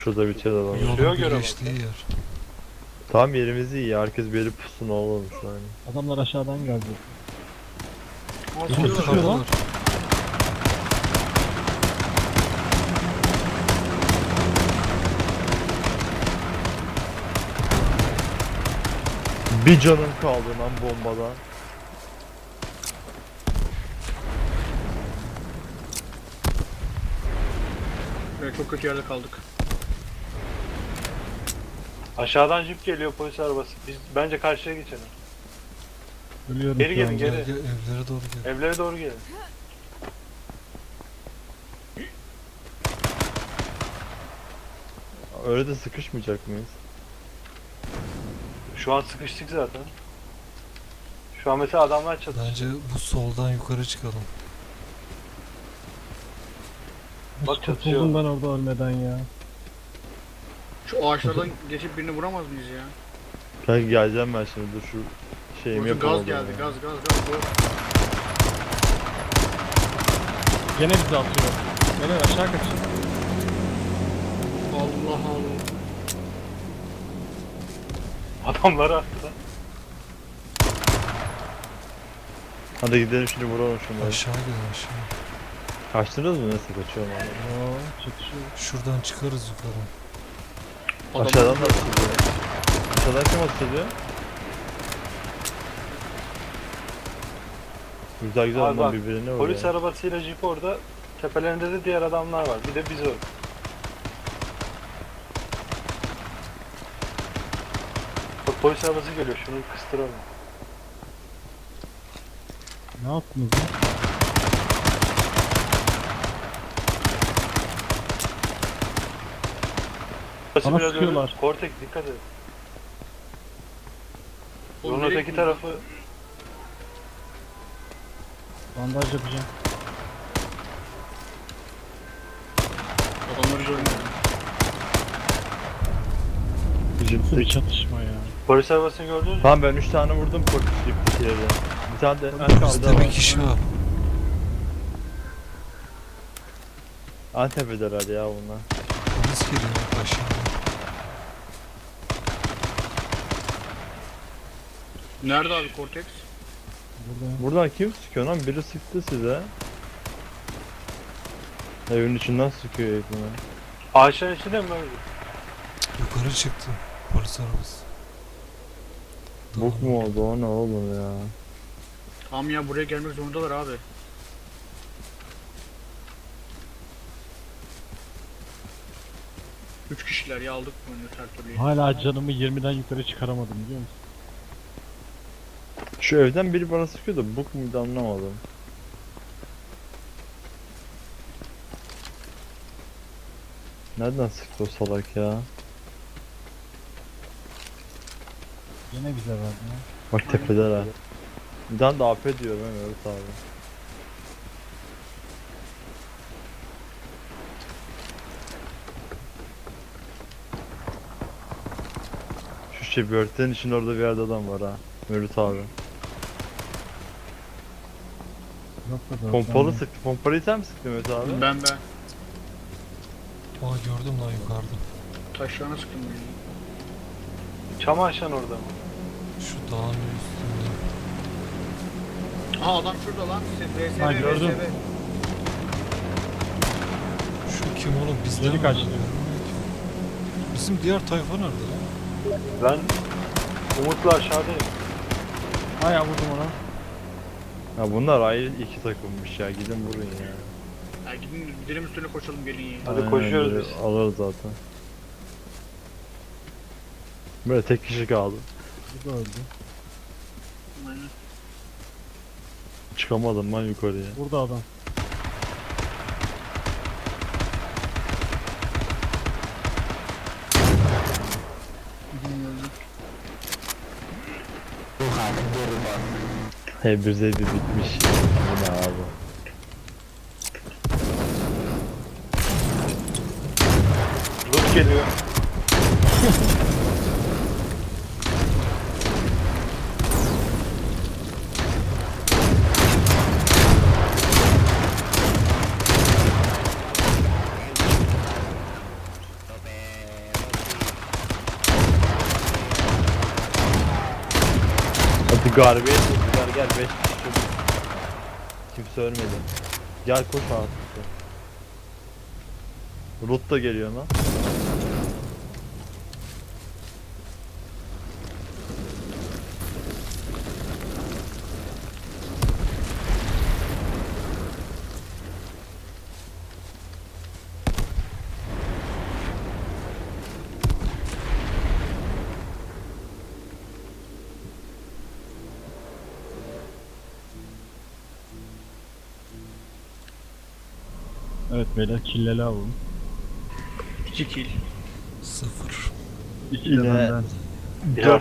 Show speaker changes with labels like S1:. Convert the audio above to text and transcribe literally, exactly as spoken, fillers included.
S1: Şurada bir şey de var.
S2: Yolun
S3: Şuraya göre
S2: birleştiği yer.
S1: Tam yerimiz iyi ya. Herkes bir yeri pusun oğlum şu an.
S4: Adamlar aşağıdan geldi.
S3: Aa,
S4: Kim
S3: sıkıyorlar.
S4: sıkıyor lan?
S1: Bir canım kaldı lan bombadan.
S3: Evet, çok kötü yerde kaldık.
S5: Aşağıdan jip geliyor, polis arabası. Biz bence karşıya geçelim.
S4: Ölüyorum
S5: Geri
S4: şu
S5: gelin,
S4: an.
S5: geri.
S2: Gel, gel, evlere doğru gel.
S5: Evlere doğru gelin.
S1: Öyle de sıkışmayacak mıyız?
S5: Şu an sıkıştık zaten. Şu an mesela adamlar çatışıyor.
S2: Bence bu soldan yukarı çıkalım.
S5: Bak
S4: Hiç
S5: çatışıyor.
S4: kurtuldum ben orada ölmeden ya.
S3: Şu ağaçlardan geçip birini vuramaz mıyız ya?
S1: Kanka geleceğim ben şimdi, dur şu şeyimi
S3: Orada
S1: yapamadım.
S3: gaz geldi,
S1: ya.
S3: gaz gaz gaz. gaz.
S4: Gene bizi atıyor. Gene aşağı kaçın.
S3: Allah Allah.
S5: Adamları attı.
S1: Hadi gidelim şimdi vuralım şunları.
S2: Aşağı gelin aşağı.
S1: Kaçtınız mı? Nasıl kaçıyorum abi?
S4: Oo, çatışıyor.
S2: Şuradan çıkarız yukarı.
S3: Adam-
S1: Aşağıdan da atılıyor. Aşağıdan kim atılıyor? Güzel güzel
S5: Abi
S1: onlar
S5: bak,
S1: birbirine vuruyor.
S5: Polis arabasıyla jip orada. Tepelerinde de diğer adamlar var. Bir de biz orada. Bak polis arabası geliyor. Şunu kıstıralım.
S4: Ne yaptınız lan?
S5: Burası
S4: Bana
S5: biraz
S4: sıkıyorlar.
S5: öyle. Cortex dikkat et.
S3: Oğlum,
S5: Yolun
S3: nereye
S5: öteki
S3: gidiyorsun?
S5: tarafı
S4: Bandaj yapacağım.
S3: Adamları görmedim.
S4: Nasıl bir
S1: Jipteki.
S4: çatışma ya.
S5: polis arabasını gördünüz mü?
S1: Tamam ben üç tane vurdum polis jiptekileri. Bir tane de en kaldı
S2: Bizde bir
S1: var.
S2: kişi var.
S1: Antep'deler ya bunlar.
S2: Polis geliyor bak aşağıdan.
S3: Nerede abi Cortex?
S4: Burada.
S1: Buradan kim sıkıyor lan? Biri sıktı size. Evin içinden sıkıyor herifine.
S5: Ağaçların içinde mi böyle?
S2: Yukarı çıktı polis arabası.
S1: Bok mu oldu o ne oğlum ya?
S3: Tamam ya, buraya gelmek zorundalar abi. Üç kişiler ya, aldık bunu her türlü.
S4: Hala canımı yirmiden yukarı çıkaramadım biliyor musun?
S1: Şu evden biri bana sıkıyor da bok muydu anlamadım. Nereden sıktı o salak ya?
S4: Gene bize verdi ya.
S1: Bak tepedeler ha. Bir tane de A P diyorum ben evet abi. Şu şey börtenin için orada bir yerde adam var ha. Mevlüt abi.
S4: Yok da dört
S1: Pompalı
S4: tane.
S1: sıktı. Pompalıyı sen mi sıktın Mevlüt abi?
S3: Ben ben.
S2: Aa gördüm lan yukarıda.
S3: Taşlarına sıktım beni.
S5: Çam ağaçların orada mı?
S2: Şu dağın üstünde.
S3: Aa, adam şurada lan. V S V,
S4: Ha, gördüm.
S3: V S V.
S2: Şu kim oğlum bizden
S4: Geri
S2: mi?
S4: kaçtı.
S2: Bizim diğer tayfa nerede lan?
S5: Ben Umut'la aşağıdayım.
S4: Ha ya vurdum ona.
S1: Ya bunlar ayrı iki takımmış ya. Gidin vurun ya.
S3: Ya gidin gidelim üstüne koşalım, gelin ya.
S5: Hadi
S1: Aynen,
S5: koşuyoruz
S1: biri
S5: biz.
S1: Alırız zaten. Böyle tek kişi kaldı.
S4: Bu da öldü.
S3: Aynen.
S1: Çıkamadım ben yukarıya.
S4: Burada adam.
S3: Gidin öldü.
S1: He bir zeydi bitmiş. Bu ne abi?
S5: Rus geliyor.
S1: Hadi garbeye toplar gel beş kişi çocuk. Kimse ölmedi. Gel koş artık. Rut da geliyor lan.
S4: Evet beyler killeli alalım.
S3: iki kill.
S2: Sıfır.
S4: İki
S1: Yine
S4: de benden.
S1: dört